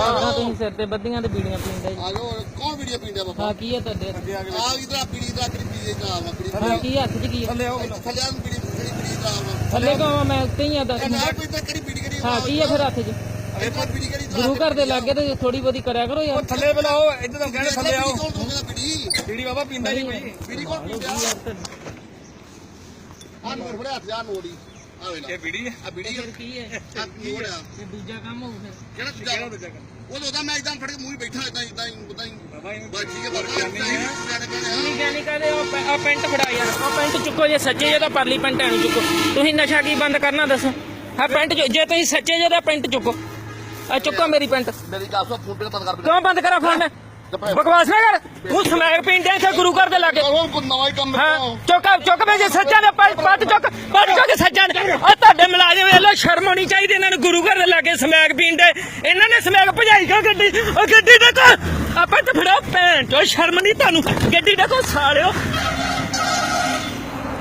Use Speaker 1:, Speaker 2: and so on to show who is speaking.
Speaker 1: ਕਿੱਦਾਂ ਤੁਸੀਂ ਸਿਰ ਤੇ ਬੱਦੀਆਂ ਤੇ ਬੀੜੀਆਂ ਪੀਂਦੇ ਜੀ?
Speaker 2: ਆ ਜਾਓ ਕੌਣ ਵੀਡੀਓ ਪੀਂਦਾ ਬਾਬਾ
Speaker 1: ਹਾਂ ਕੀ ਹੈ ਤੁਹਾਡੇ
Speaker 2: ਆ ਇਧਰ ਬੀੜੀ ਦਾ ਕਿਹੜੀ ਪੀਏ ਦਾ ਵਾ ਬੀੜੀ
Speaker 1: ਹਾਂ ਕੀ ਹੱਥ 'ਚ ਕੀ ਹੈ?
Speaker 2: ਥੱਲੇ ਆ ਬੀੜੀ ਦਾ ਵਾ
Speaker 1: ਥੱਲੇ ਕਹਾਂ ਮੈਂ ਉੱਤੇ ਹੀ ਆ ਦੱਸ
Speaker 2: ਨਾ ਕੋਈ ਤਾਂ ਕਿਹੜੀ ਬੀੜੀ ਕਿਹੜੀ
Speaker 1: ਹਾਂ ਕੀ ਹੈ ਫਿਰ ਹੱਥ 'ਚ?
Speaker 2: ਬੀੜੀ ਕਿਹੜੀ
Speaker 1: ਗੁਰੂ ਘਰ ਦੇ ਲਾਗੇ ਤੇ ਥੋੜੀ ਬਹੁਤੀ ਕਰਿਆ ਕਰੋ ਯਾਰ।
Speaker 3: ਥੱਲੇ ਬੁਲਾਓ ਇੱਧਰ ਤਾਂ ਕਹਿੰਦੇ ਥੱਲੇ ਆਓ
Speaker 2: ਕੌਣ ਦੋਗਾ ਬੀੜੀ
Speaker 3: ਬੀੜੀ ਬਾਬਾ ਪੀਂਦਾ ਨਹੀਂ ਕੋਈ
Speaker 2: ਬੀੜੀ ਕੌਣ ਪੀਂਦਾ ਆ ਨੋਟ ਫੜਿਆ ਹੱਥ ਜਾ ਨੋੜੀ ਆ ਵੇਲਾ
Speaker 3: ਇਹ ਬੀੜੀ ਹੈ
Speaker 2: ਆ ਬੀੜੀ
Speaker 1: ਫਿਰ ਕੀ ਹੈ?
Speaker 2: ਆ ਨੋੜ ਆ
Speaker 1: ਇਹ ਦੂਜਾ ਕੰਮ ਹੋਊ ਫਿਰ।
Speaker 2: ਕਿਹੜਾ ਦੂਜਾ ਉਹ ਉਹਦਾ ਮੈਂ ਇਦਾਂ ਫੜ ਕੇ ਮੂੰਹ ਹੀ ਬੈਠਾ ਇਦਾਂ ਹੀ
Speaker 3: ਬਾਬਾ ਇਹ
Speaker 2: ਬਸ ਠੀਕ ਹੈ ਬਾਬਾ
Speaker 1: ਨਹੀਂ ਕਹਿੰਦੇ ਉਹ ਪੈਂਟ ਫੜਾ ਯਾਰ ਉਹ ਪੈਂਟ ਚੁੱਕੋ ਜੇ ਸੱਚੇ ਜੇ ਤਾਂ ਪਰਲੀ ਪੈਂਟ ਐਨੂੰ ਚੁੱਕੋ। ਤੁਸੀਂ ਨਸ਼ਾ ਕੀ ਬੰਦ ਕਰਨਾ ਦੱਸੋ? ਹਾਂ ਪੈਂਟ ਜੇ ਤੁਸੀਂ ਸੱਚੇ ਜੇ ਤਾਂ ਪੈਂਟ ਚੁੱਕੋ। ਆ ਚੁੱਕੋ ਮੇਰੀ ਪੈਂਟ।
Speaker 2: ਮੇਰੀ ਗੱਲ ਸੁਣ ਫੋਨ ਬੰਦ ਕਰ
Speaker 1: ਕਿਉਂ ਬੰਦ ਕਰਾਂ ਫੋਨ? ਬਕਵਾਸ ਨਾ ਕਰ ਤੂੰ ਸਮੈਕ ਪੀਂਦੇ ਇੱਥੇ ਗੁਰੂ ਘਰ ਦੇ ਲਾਗੇ।
Speaker 2: ਕੋਈ ਨਵਾਂ ਹੀ ਕੰਮ
Speaker 1: ਹਾਂ ਚੁੱਕ ਵੇ ਜੇ ਸੱਚਾ ਦੇ ਪੱਟ ਚੁੱਕ ਸੱਚਾ ਆ ਤੁਹਾਡੇ ਮੁਲਾਜ਼ਮ ਵੇਲੇ ਸ਼ਰਮ ਆਉਣੀ ਚਾਹੀਦੀ ਇਹਨਾਂ ਨੂੰ ਗੁਰੂ ਘਰ ਦੇ ਲਾਗੇ ਸਮੈਕ ਪੀਂਦੇ। ਇਹਨਾਂ ਨੇ ਸਮੈਕ ਭਜਾਈ ਕਿਉਂ ਗੱਡੀ? ਉਹ ਗੱਡੀ ਦੇਖੋ ਆਪਾਂ ਤੇ ਫੜੋ ਭੈਣ ਚੋ ਸ਼ਰਮ ਨਹੀਂ ਤੁਹਾਨੂੰ ਗੱਡੀ ਦੇਖੋ ਸਾਲਿਓ।